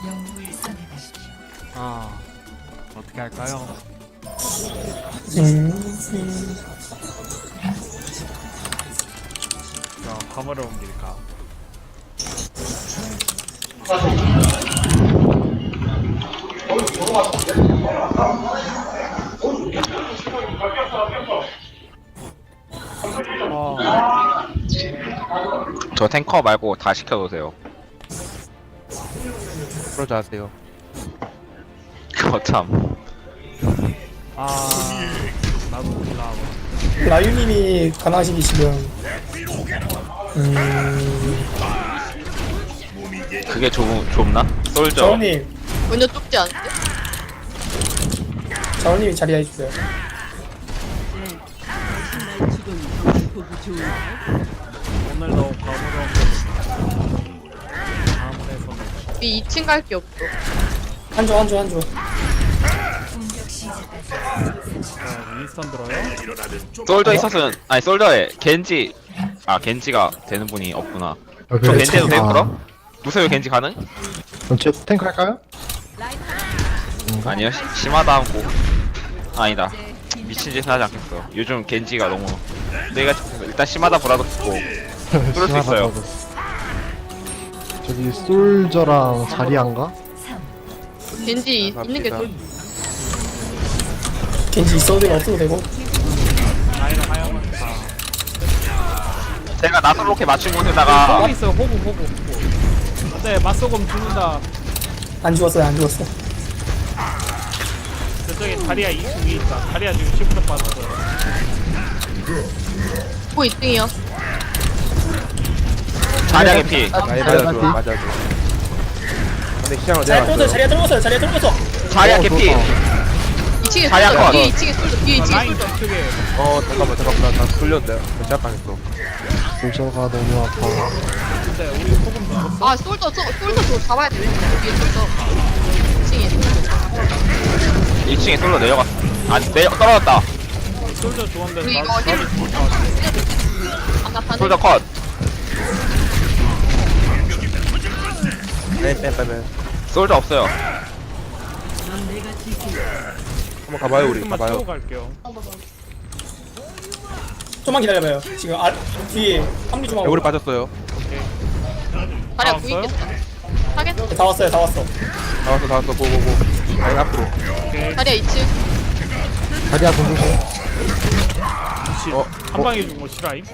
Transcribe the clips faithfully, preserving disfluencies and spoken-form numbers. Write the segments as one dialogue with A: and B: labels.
A: 아 어떻게 할까요?
B: 음, 음.
A: 자, 화물을 옮길까? 어,
C: 저 탱커 말고 다 시켜놓으세요.
D: 그러지 하세요.
C: 그거 참.
A: 아 나도 올라가고.
B: 라유님이 가능하시기 지금 음...
C: 그게 좁, 좁나? 솔저.
B: 자원님
E: 전혀 좁지 않은데?
B: 자원님이 자리 해주세요.
A: 오늘도 과무로 화물에서
E: 우리 이 층 갈 게 없어.
B: 한조 한조 한조.
A: 윈스턴 들어요?
C: 솔저 있었으면, 아니, 솔저에 겐지. 아, 겐지가 되는 분이 없구나.
F: 아,
C: 저
F: 그래,
C: 겐지도 돼요,
F: 아,
C: 그럼? 누세요 겐지 가능?
F: 그럼 제 탱크 할까요?
C: 아니요, 시, 심하다 하고. 아니다. 미친 짓은 하지 않겠어. 요즘 겐지가 너무. 내가 일단 심하다 보라도 듣고. 그럴 수
F: 심하다
C: 있어요.
F: 저도. 저기 솔저랑 자리안가?
E: 겐지 있는 게 좀.
B: 겐지 있어도 되고 없어도 되고.
A: 라인을 하얀 다.
C: 제가 나솔 로켓 맞춘 곳에다가
A: 호구 있어요. 호구 호구 호구. 근데 맞소금 죽는다.
B: 안 죽었어요 안 죽었어.
A: 저쪽에 다리야 이 층 위에 있다. 다리야 지금 시프트 빠졌어요.
E: 뭐 이 등이요?
C: 자량의 피.
D: 아, 맞아줘, 맞아줘. 근데 시장을
B: 자리
D: 내가
B: 뚫었어요 자리에 뚫었어요 자리에 뚫었어.
C: 자량 개피.
E: 이 층에
C: 자리
E: 쏠져.
C: 아까
E: 뒤에 이 층에 쏠져. 뒤에 이 층에
A: 라인
E: 쏠져.
A: 쪽에
D: 어, 잠깐만, 잠깐만. 나, 나 돌렸는데. 나 시작당했어.
F: 솔저가 너무 아파.
A: 근데 우리 소금 죽었어.
E: 아 쏠져. 쏠- 쏠져 저 잡아야 돼. 뒤에 쏠져. 이 층에 쏠져.
C: 이 층에 솔로 내려갔어. 아, 내려 떨어졌다.
A: 솔저 죽었는데
E: 우리
A: 나
E: 이거 힐. 안 나타내.
C: 솔저 컷.
D: 빼, 빼, 빼, 빼.
C: 솔저 없어요.
D: 한번 가봐요, 우리.
A: 조금만
D: 가봐요.
A: 치고 갈게요.
B: 좀만 기다려봐요. 지금 아, 뒤에 합류 좀 하고.
D: 우리 빠졌어요.
E: 다리야
A: 다
E: 구이
A: 왔어요?
E: 있겠다. 하겠다.
B: 다 왔어요 다 왔어.
D: 다 왔어, 다 왔어. 고, 고, 고. 라인 앞으로.
A: 오케이.
E: 다리야 이 층.
F: 자리아 공주고.
A: 미친.
D: 어,
A: 한 방에 죽은 거 싫어임?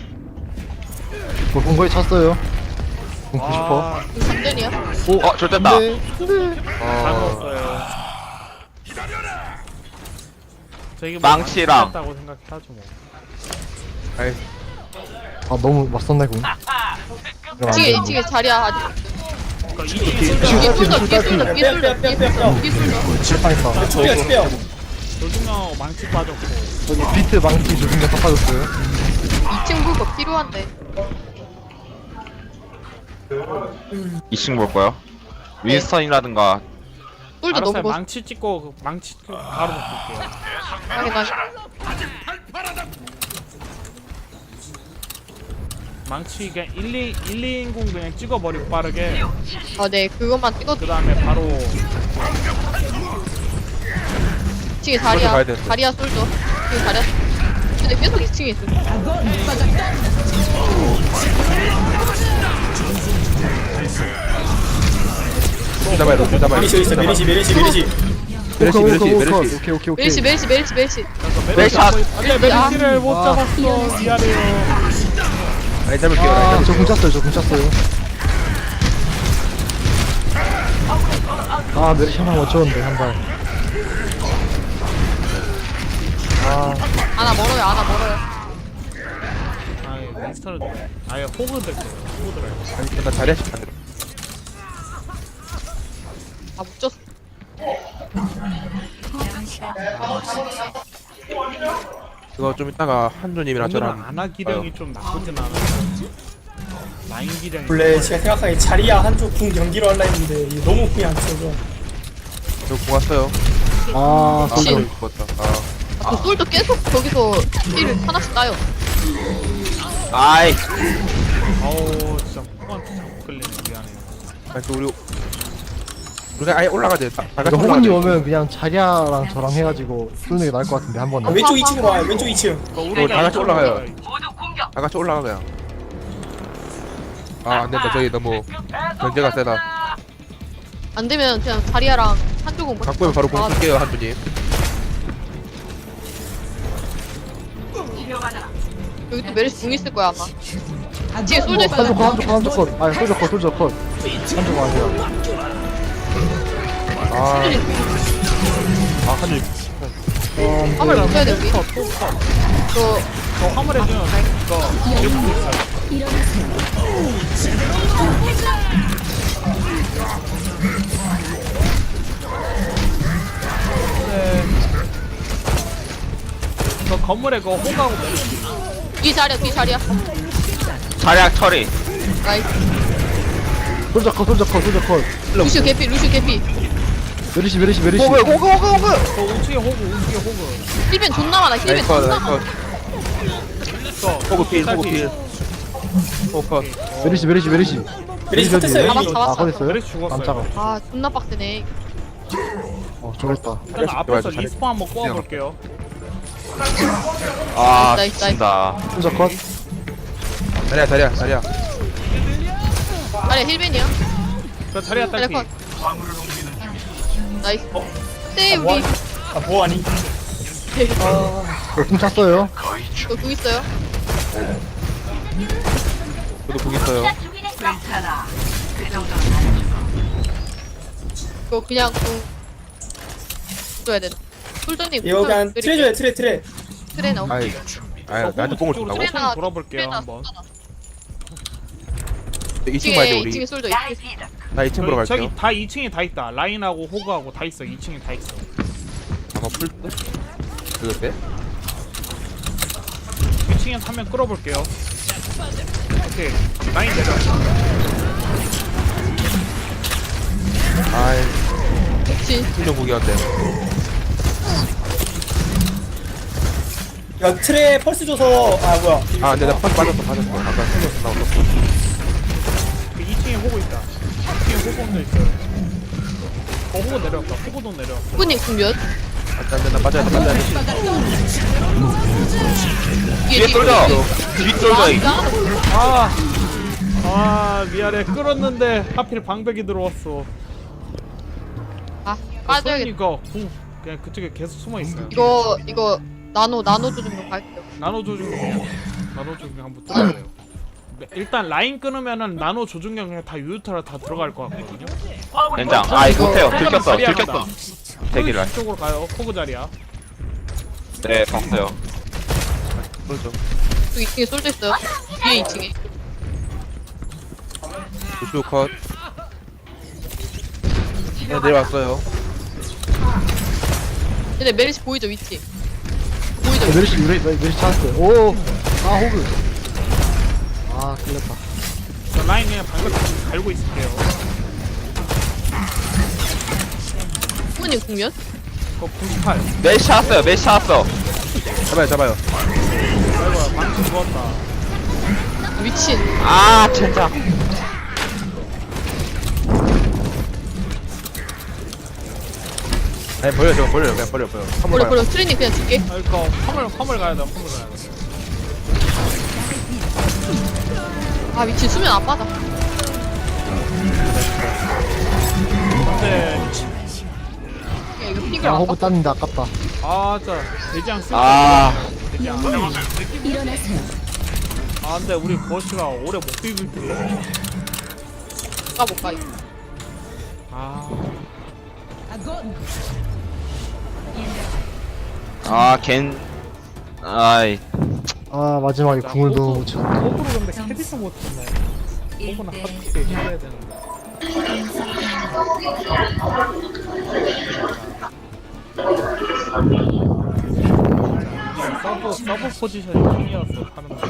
F: 뭐 공거에 찼어요. 공구 싶어.
A: 아,
E: 삼 등이야.
C: 어, 저 됐다.
F: 네, 네.
A: 잘
D: 어,
A: 먹었어요. 저기
C: 망치랑.
A: 다고 생각하죠 뭐.
D: 아이,
F: 아 너무 맞섰네 공. 그럼 안
E: 이 층에 이
F: 되는데.
E: 층에 자리야 아직.
A: 그러니까 이 층에
E: 뒤에
A: 솔저
E: 쏠져. 뒤에 쏠져. 뒤에 쏠져.
B: 빼, 빼, 빼, 빼, 빼.
E: 뒤에 쏠져.
F: 실패했다.
B: 초비야 초비야.
A: 조중하고 망치 빠졌고.
F: 저기 비트 망치 조준경 깎아줬어요.
E: 이 층 물거 필요한데.
C: 이 층 볼 거요. 윈스턴이라든가
E: 쏠져
A: 알았어요.
E: 너무 멋.
A: 망치 찍고 그 망치 바로 바꿀게요.
E: 확인 확인.
A: 망치 그냥 일, 이, 일, 이인공 그냥 찍어버리고 빠르게.
E: 아 네 그것만 찍어.
A: 그 다음에 바로
E: 이 층에
D: 가야
E: 다리야.
D: 되는데.
E: 다리야 쏠져. 뒤에 다리야. 근데 계속 이 층에 있어.
D: 좀 잡아야 돼, 좀 잡아야 돼.
B: 메리시 있어 메리시 메리시 메리시.
D: 메르시,
F: 오케이,
D: 메르시,
F: 오케이,
D: 메르시.
F: 오케이 오케이 오케이.
E: 멜시 멜시 멜시 멜시.
A: 메르시
C: 샷.
A: 안돼 메르시를 못 잡았어. 미안해요.
D: 라인 잡을게요, 라인
F: 아,
D: 잡을게요.
F: 저공 찼어요. 저공 찼어요. 아 메르시 하나 못 쳤는데 한 발. 아
E: 아나 멀어요 아나 멀어요.
A: 아 윈스턴을 아예 호그 들 거예요. 호그 들어요.
D: 아니, 나 자리야, 안 돼.
E: 아 묻혔어.
D: 이거 좀 이따가 한조님이랑
A: 오늘은
D: 저랑
A: 아나 기량이 좀 나쁘진 않아요. 라인 기량이.
B: 원래 제가 생각하기에 자리야 한쪽 궁 경기로 할라 했는데 이게 너무 궁이 안 쳐서.
D: 저 고갔어요.
F: 아,
D: 아,
E: 씨.
D: 너무 죽었다. 아,
E: 아, 그 솔도 계속 저기서 힐을 하나씩 따요.
C: 아이
A: 어우 진짜 호구한테 자꾸 끌리네. 미안해요.
D: 아니, 또 우리 우리가 아예 올라가야 돼. 다
F: 이거
D: 같이 올라가야
F: 호군이
D: 돼.
F: 오면 그냥 자리아랑 저랑 해가지고 쏘는 게 나을 것 같은데 한
B: 아,
F: 번에.
B: 왼쪽 이 층으로 와요. 왼쪽 이 층.
D: 어, 다 같이 올라가요. 다 같이 올라가 그냥. 아 안된다. 저기 너무 견제가 세다.
E: 안 되면 그냥 자리아랑 한쪽은 뭐.
D: 갖고 오면 바로 공
E: 아,
D: 쓸게요 한분님.
E: 여기 또 메르시 궁 있을 거야 아마. 뒤에 솔져 있어.
F: 한쪽 컷 한쪽 컷 한쪽 컷. 아니 솔저 컷 솔저 컷. 한쪽 아니야.
D: 아. 아 한줄.
E: 화물 붙여야 돼 우리.
A: 컷, 또 컷.
E: 저
A: 저 화물 해주면 이거 이렇게 있어요. 네. 저 건물에 그 호가고 메르시.
E: 뒤 자리야 뒤 자리야.
C: 자략 처리.
E: 나이스.
F: 솔저 컷 솔저 컷 솔저 컷.
E: 루슈 개피 루슈 개피.
F: 메르시 메르시 메르시.
D: 호그 호그 호그 호그.
A: 저 우측에 호구, 우측에 호구.
E: 힐벤 존나 많아 힐벤
D: 나이스 컷
E: 존나
D: 나이스
E: 많아.
D: 컷.
A: 저
D: 호그 필 호그 필. 호그 컷.
F: 메르시 메르시 메르시.
B: 메리시 컷했어요.
E: 잡았-
B: 여기.
E: 잡았어.
F: 아 컷했어요?
A: 메르시 죽었어요.
F: 깜짝아.
E: 아 존나 빡세네.
F: 어 저랬다.
A: 일단 앞에서
D: 잘했어.
A: 리스폰 한번 꼬아볼게요.
C: 아
E: 나이스, 나이스.
C: 진다.
F: 솔저 컷.
D: 자리야 자리야 자리야.
E: 자리야 힐벤이야.
A: 저 자리야
E: 자리야
A: 딸피.
E: 컷. 나이스. 네
B: 아, 뭐,
E: 우리
B: 하니? 아, 뭐 하니?
F: 너궁 찼어요.
E: 저궁 있어요.
D: 저도 공 있어요.
E: 그거 그냥 궁 줘야 되나? 솔전님
B: 이거 그냥 트레 줘요, 트레, 트레.
E: 트레 나오.
D: 아이 아이 나한테 뽕을 준다고?
E: 트레 나
A: 돌아볼게요, 한번.
D: 이 층 봐야 돼
E: 뒤에
D: 우리.
E: 이 층에 솔져. 이 층에.
D: 나 이 층으로
A: 저기,
D: 갈게요.
A: 저기 다 이 층에 다 있다. 라인하고 호그하고 다 있어. 이 층에 다 있어.
D: 아마 풀 듯? 그거 때?
A: 이 층에 한 명 끌어볼게요. 오케이. 라인 내려.
D: 아이
E: 그치.
D: 훈련 보기 어때?
B: 야, 트레 펄스 줘서, 아, 뭐야.
D: 아 근데 나 펄스 빠졌어 빠졌어. 아까 생겼어 나 없었어.
A: 그 이 층에 호그 있다. 이 층에 호그 혼자 있어요. 어, 호그 내려왔다. 호그도 내려.
E: 후보님 궁 몇?
D: 안돼 나 빠져야 돼 빠져야 돼.
C: 뒤에 쏠져. 뒤 쏠져. 이.
A: 아, 아 미안해. 끌었는데 하필 방벽이 들어왔어.
E: 아 빠져야겠다.
A: 이거 궁 그냥 그쪽에 계속 숨어 있어요.
E: 이거 이거 나노 나노 조정으로 갈게요.
A: 나노 조준 나노 조준 한번 뚫어요. 일단 라인 끊으면은 나노 조준경 그냥 다 유유타라 다 들어갈 것 같거든요.
C: 연장. 아이 못해요. 들켰어.
A: 자리야
C: 들켰어.
A: 간다.
C: 대기를.
A: 쪽으로 가요. 호그 자리야.
C: 네 봤어요.
D: 그렇죠.
E: 또 이 층에 솔져 있어요. 뒤에 이 층에.
D: 우슈 컷. 네 내려왔어요.
E: 근데 메르시 보이죠 위치. 보이죠.
F: 네, 메르시 메르시 메르시 찾았어요. 오. 아 호그. 아 끌렸다.
A: 저 라인 그냥 방벽 좀 갈고 있을게요.
E: 후보님 궁 몇?
A: 그거 구십팔.
C: 메시 찾았어요. 메시 찾았어.
D: 잡아요 잡아요.
A: 아이고야 방금 죽었다.
E: 미친.
C: 아 진짜.
D: 아니 버려 저거 버려 그냥 버려 버려. 한번
E: 버려
D: 가요.
E: 버려. 트레님 그냥 줄게.
A: 아 이거 화물 화물 가야 돼. 화물 가야 돼.
E: 아 미친 수면 안 빠져.
A: 근데
E: 야 이거 피겨
F: 아
E: 안
F: 호그
E: 빠.
F: 땄는데 아깝다.
A: 아 진짜 대장 쓸
C: 아.
A: 대장. 아 근데 우리 버스가 오래 못 비빌 텐데.
E: 가볼까 이거.
A: 아
C: 아 겐. 아이.
F: 아 마지막에 궁을 너무 못 쳤네.
A: 호구로 근데 캐디스 못 쳤네. 호구는 하드게 해야 되는데. 서브 서브 포지션이 킹이었어 하는 거.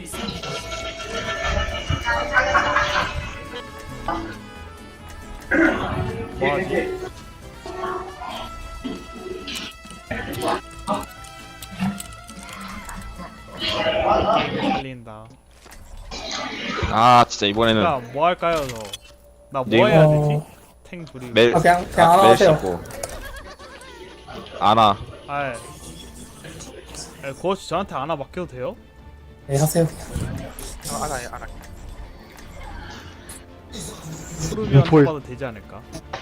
A: 뭐하지? 달린다.
C: 아 진짜 이번에는
A: 나 뭐 할까요, 저? 나 뭐
C: 네.
A: 해야 되지? 탱 둘이.
C: 멜
B: 아, 그냥- 그냥 하나
C: 멜
B: 하세요.
C: 씻고 아나
A: 아, 예. 고어씨 저한테 하나 맡겨도 돼요?
B: 네 하세요 그냥.
D: 아, 안아 안아.
A: 프루비한테
F: 볼.
A: 봐도 되지 않을까?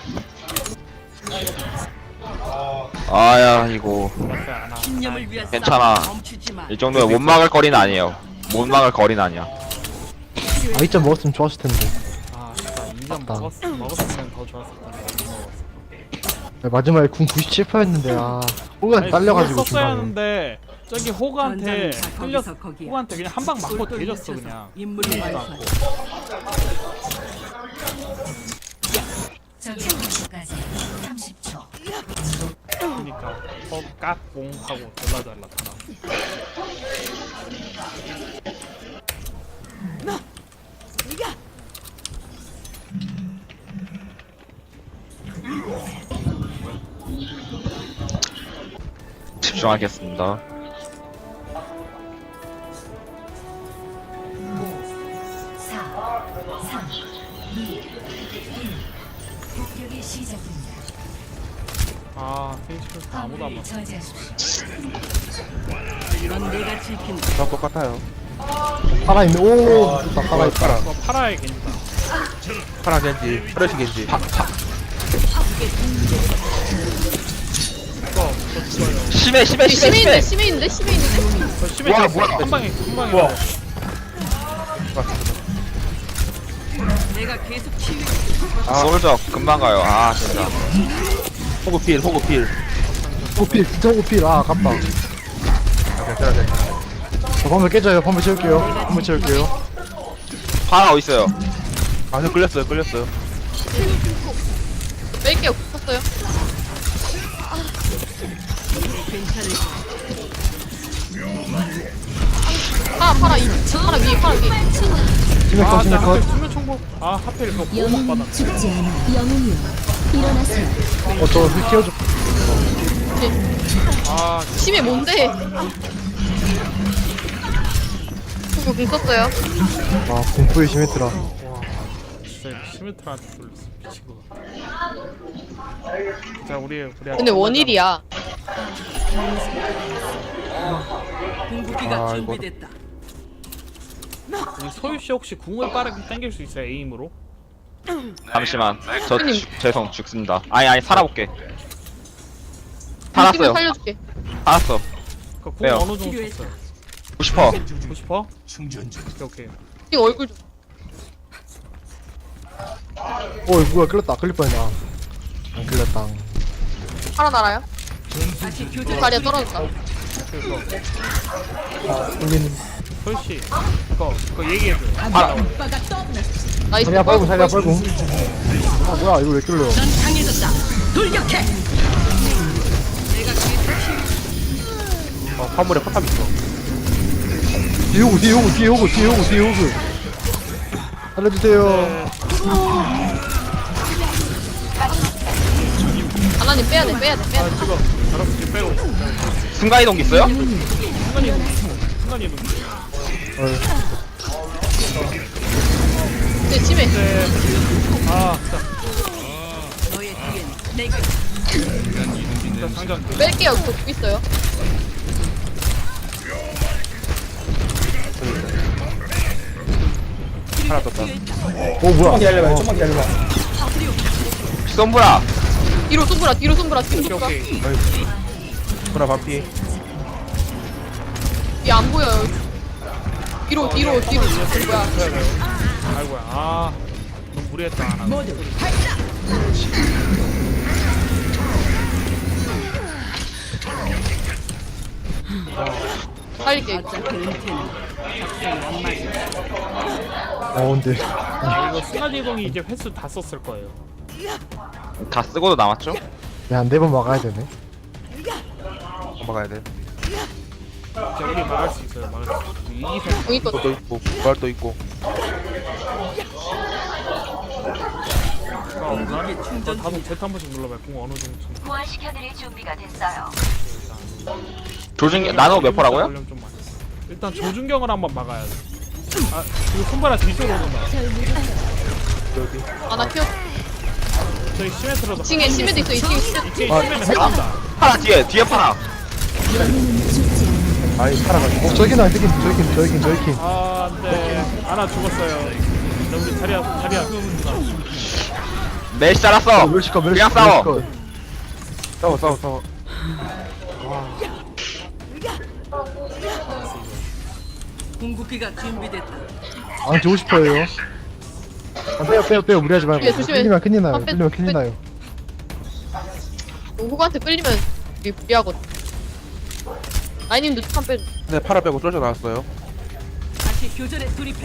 C: 아야 이거
A: 맞아요, 하나. 아,
C: 괜찮아. 이 정도면 못 막을 거리는 아니에요. 못 막을 거리는 아니야.
F: 아, 이 점 먹었으면 좋았을 텐데.
A: 아, 진짜 이 점
F: 맞다.
A: 먹었, 먹었으면 더 좋았을 텐데 못 먹었어.
F: 네, 마지막에 궁 구십칠 퍼센트였는데, 아. 호가
A: 아니,
F: 딸려가지고
A: 그걸 썼어야
F: 중간에.
A: 하는데 저기 호그한테
G: 전장은 다
A: 흘렸
G: 거기서 거기야.
A: 호그한테 그냥 한 방 맞고
G: 똘똘
A: 대졌어
G: 뭉쳐서
A: 그냥.
G: 임무를
A: 죽지도
G: 완수하자.
A: 않고.
H: 적의 공격까지 삼십 초.
A: 그러니까 헛깍봉 하고 졸라 잘났다.
C: 집중하겠습니다.
H: 사, 삼, 이, 일. 공격이 시작됩니다.
A: 아, 펜시플스 아무도 안
H: 화물을
A: 맞아.
H: 저지하십시오.
G: 넌 내가 지킨다.
D: 다 똑같아요.
F: 살아있네. 오, 좋다, 살아있다.
D: 파라
A: 이거 파라의 겐지다.
D: 파라 겐지 프레시 겐지.
A: 이거 저 죽어요.
C: 심해 심해 심해
E: 심해
C: 심해.
E: 있는데 심해 있는데 심해 있는데.
A: 저 심해
C: 뭐야,
A: 저
C: 뭐야.
A: 한 방에 한 방에.
B: 뭐야?
G: 내가 계속 치유.
C: 솔저 금방 가요. 아 진짜.
D: 호구 필 호구 필.
F: 호필, 진짜 호필. 아, 아깝다.
D: 아, 괜찮아 괜찮아.
F: 저 방금 깨져요. 방금 채울게요. 방금 채울게요.
C: 파라 어디 있어요?
D: 아저 끌렸어요 끌렸어요.
E: 뺄게요. kus었어요.
G: 괜찮을
E: 파라 파라 이 파라 위 파라 위.
F: 심해
A: 아,
F: 컷, 심해
A: 나
F: 컷.
A: 하필 수면 총복. 아, 하필 그거 보호막 받았네.
H: 죽지 않아. 영웅이여. 일어나세요.
F: 어, 저 힐 키워줘.
A: 아,
E: 심해 뭔데? 그거 kus었어요.
F: 아, 공포의 심했더라.
A: 진짜 시메트라한테 돌렸어. 미친 거 같아. 자, 우리 우리.
E: 근데 원일이야.
G: 궁극기가
D: 아, 이거.
G: 준비됐다.
A: 우리 소유 씨 혹시 궁을 빠르게 당길 수 있어요 에임으로?
C: 잠시만. 저
E: 형님.
C: 죽- 죄송 죽습니다. 아니 아니 살아볼게.
E: 팀을
C: 살았어요.
E: 살려줄게.
C: 살았어.
A: 그궁
C: 왜요?
A: 어느 정도
G: 필요했어.
A: 썼어요?
C: 구십 퍼.
A: 주고 싶어? 오케이 오케이.
E: 이 얼굴 좀.
F: 오, 뭐야, 끌렸다. 끌릴 뻔했네. 아. 안 끌렸다.
E: 파라 날아요?
G: 다시 교전.
E: 다리에 떨어졌다.
A: 그래서
B: 아 울리는.
A: 소유 씨 그거 그거 얘기해줘.
C: 파라.
E: 나이스.
F: 살려 빨고, 살려 빨고. 아, 뭐야, 이거 왜 끌려.
G: 넌 강해졌다. 돌격해. 내가 계속 치유.
D: 어 화물에 포탑 있어.
F: 뒤에 오고, 뒤에 오고, 뒤에 오고, 뒤에 오고, 뒤에 오고. 살려주세요.
E: 하나님 빼야 돼 빼야 돼 빼야
A: 아
E: 돼.
A: 지금 자락스키 빼고
C: 순간 이동 있어요?
A: 순간 이동 순간 이동.
E: 근데 심해.
A: 네. 아
G: 너의 뒤엔 내가.
A: 진짜 상장.
E: 뺄게요. 그거 구 있어요.
D: 하나 떴다.
F: 오, 뭐야.
B: 좀만 기다려봐요. 좀만 기다려봐.
C: 썸브라.
E: 뒤로 쏜브라 뒤로 쏜브라 뒤로 쏜브라.
A: 오케이.
D: 하나 반피.
E: 얘안 보여요. 뒤로 뒤로 뒤로. 뭐야?
A: 아이고야. 아 너무 무리했다 하나.
E: 살릴게. 이거.
G: 어차피 은퇴는 작성이 안 맞아.
F: 어, 근데.
A: 아, 이거 순간 이동이 이제 횟수 다 썼을 거예요.
C: 다 쓰고도 남았죠?
F: 야, 한 네 번 막아야 되네.
D: 넘어가야 돼.
A: 이제 우리 막을 수 있어요. 막을 수 있어요. 이기선
E: 공 있거든.
D: 또 있고 부활 또 있고.
A: 저 다섯 제트 한 번씩 눌러봐요. 공 어느 정도 쳤나.
H: 부활시켜드릴 준비가 됐어요.
C: 조준 나노 몇 퍼라고요?
A: 볼륨 좀 많이. 일단 조준경을 한번 막아야 돼. 아 이거 손바닥 뒤쪽으로 온다.
D: 여기.
E: 아나 키워.
A: 저희 시메트로도
E: 이층에 심해도 있어. 이층에 심해.
A: 이층에
F: 아,
A: 시메트 나온다.
C: 파라 뒤에 뒤에 파라.
D: 아이 살아가지고
F: 어, 저긴 아니, 저긴, 저긴, 저긴, 저긴.
A: 아 안돼. 하나 죽었어요. 근데 우리 자리야 자리야.
C: 메시 잘랐어.
F: 멸시컷,
C: 그냥
F: 멸시컷,
C: 싸워.
F: 멸시컷.
D: 싸워 싸워 싸워.
G: 궁극기가 준비됐다.
F: 안 주고 싶어요. 아, 빼요, 빼요, 빼요. 무리하지 말고.
E: 조심해, 조심해.
F: 끌리면 큰일 나요.
E: 아, 빼,
F: 끌리면
E: 빼.
F: 큰일 나요.
E: 호구한테 끌리면 이게 무리하거든. 아이님도 한 빼.
D: 네 파라 빼고 쫄져 나왔어요.
G: 다시 교전에 돌입해.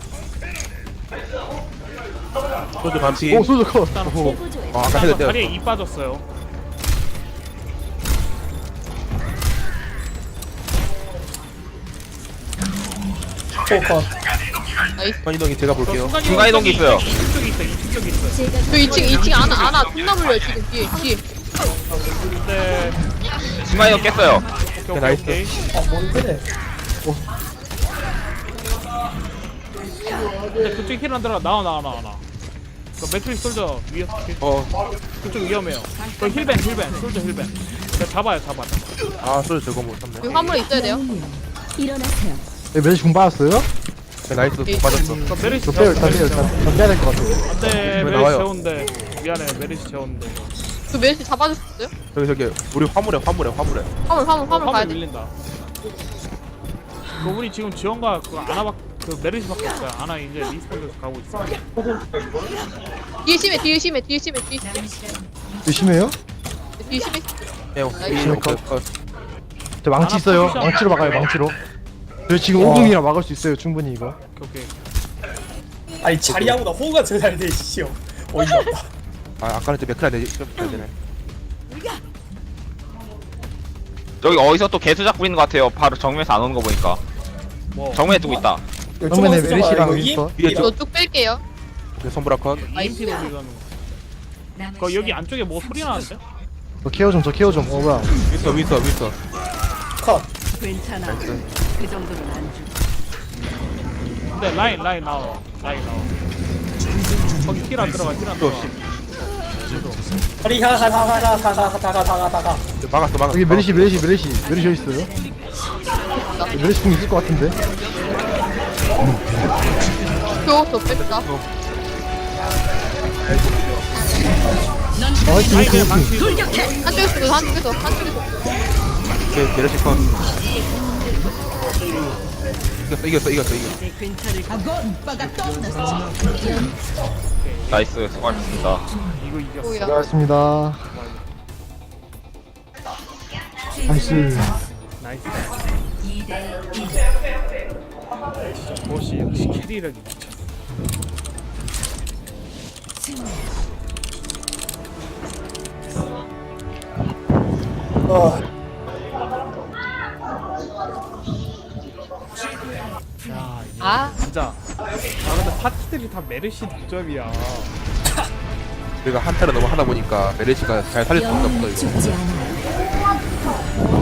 D: 쫄져 반피.
F: 오, 소주 컷.
A: 일단
F: 오호.
A: 폭.
D: 아 아까 헤드 때렸어.
A: 다리에 이 빠졌어요.
B: 포커.
D: 이동이 제가 볼게요.
C: 중간 이동기 있어요.
A: 이쪽 쪽에 있어. 이쪽 쪽에 있어.
H: 제가
E: 저 이층 이층 안아 안아 존나 물려 지금 뒤에 뒤에.
A: 근데
C: 스마이더 깼어요.
A: 오케이 오케이
D: 나이스.
A: 오케이.
B: 아 뭔데?
A: 근데 그쪽 힐 안 들어가. 나와 나와 나와 나와. 그 매트릭 솔저 위에
D: 어.
A: 그쪽 위험해요. 그 힐벤 힐벤 솔저 힐벤. 자, 잡아요 잡아 잡아.
D: 아 쫄져 저거 못 참네.
E: 여기 화물에 있어야 돼요.
H: 영웅이여 일어나세요.
F: 네, 멜시 공 받았어요?
D: 네, 나이스 못 빠졌어.
A: 그 메리시
F: 저 빼요, 일단 빼요, 일단. 일단 빼야 될 것 같아요.
A: 안돼
D: 왜
A: 메리시
D: 나와요?
A: 재운데 미안해 메리시 재운데.
E: 그 멜시 잡아줄 수 있어요?
D: 저기 저기 우리 화물에 화물에 화물에.
E: 화물 화물 화물 가야
A: 화물
E: 돼.
A: 밀린다. 그 우리 지금 지원과 그 아나박 그 메리시밖에 없어요. 아나 이제 리스폰에서 가고 있어.
E: 뒤에 심해 뒤에 심해 뒤에 심해 뒤에 심해
F: 조심해요.
E: 뒤에 심해.
D: 네,
E: 나이스.
D: 오케이, 오케이. 어,
F: 저 망치
A: 하나
F: 있어요.
A: 포지션.
F: 망치로 막아요, 망치로. 저 지금
D: 와.
F: 오공이라 막을 수 있어요, 충분히 이거.
A: 오케이 오케이.
B: 아니 자리야보다 호구가 제일 잘 돼, 씨요. 어이가 없다.
D: 아 아까는 좀 맥크라 내지 좀 되네.
C: 여기 어디서 또 개수작 부리는 것 같아요. 바로 정면에서 안 오는 거 보니까.
A: 뭐
C: 정면에 두고 있다.
F: 정면에 메리시랑 윈스터.
D: 위에 저
E: 저쪽 뺄게요.
D: 손브라컨.
A: 이엠피 돌리는 거. 그 여기 안쪽에 뭐 소리 나는데?
F: 저 케어 좀, 저 케어 좀. 어, 뭐야.
D: 윈서 윈서 윈서.
B: 컷.
G: 괜찮아. 그 정도는 안 주.
A: 근데 라인 라인 나와 라인 나와. 거기 힐 안 들어가 힐 안 들어가.
B: 다리 가가가가가가가가가가.
D: 막았어 막았어.
F: 여기 메리시, 메리시, 메리시. 메리시 어디 있어요? 메리시 공 있을 것 같은데.
E: 저저 뺐다.
F: 아, 화이팅,
A: 라인
F: 화이팅,
A: 그냥
F: 화이팅.
A: 망치.
G: 돌격해.
E: 한쪽에서 한쪽에서 한쪽에서.
D: 오케이 게르시 컷. 이겼어 이겼어 이겼어 이겼어.
G: 내 괜찮을 거야.
C: 나이스 수고하셨습니다.
A: 이거 이겼어.
E: 뭐야?
F: 수고하셨습니다. 나이스.
A: 나이스. 보시 역시 캐리력이 미쳤어.
B: 어.
A: 야 이거
E: 아
A: 진짜. 아 근데 파티들이 다 메르시 득점이야.
D: 우리가 한타를 너무 하다 보니까 메르시가 잘 살릴 수 없나 보다
H: 영웅은
D: 이거.
H: 죽지 않아요.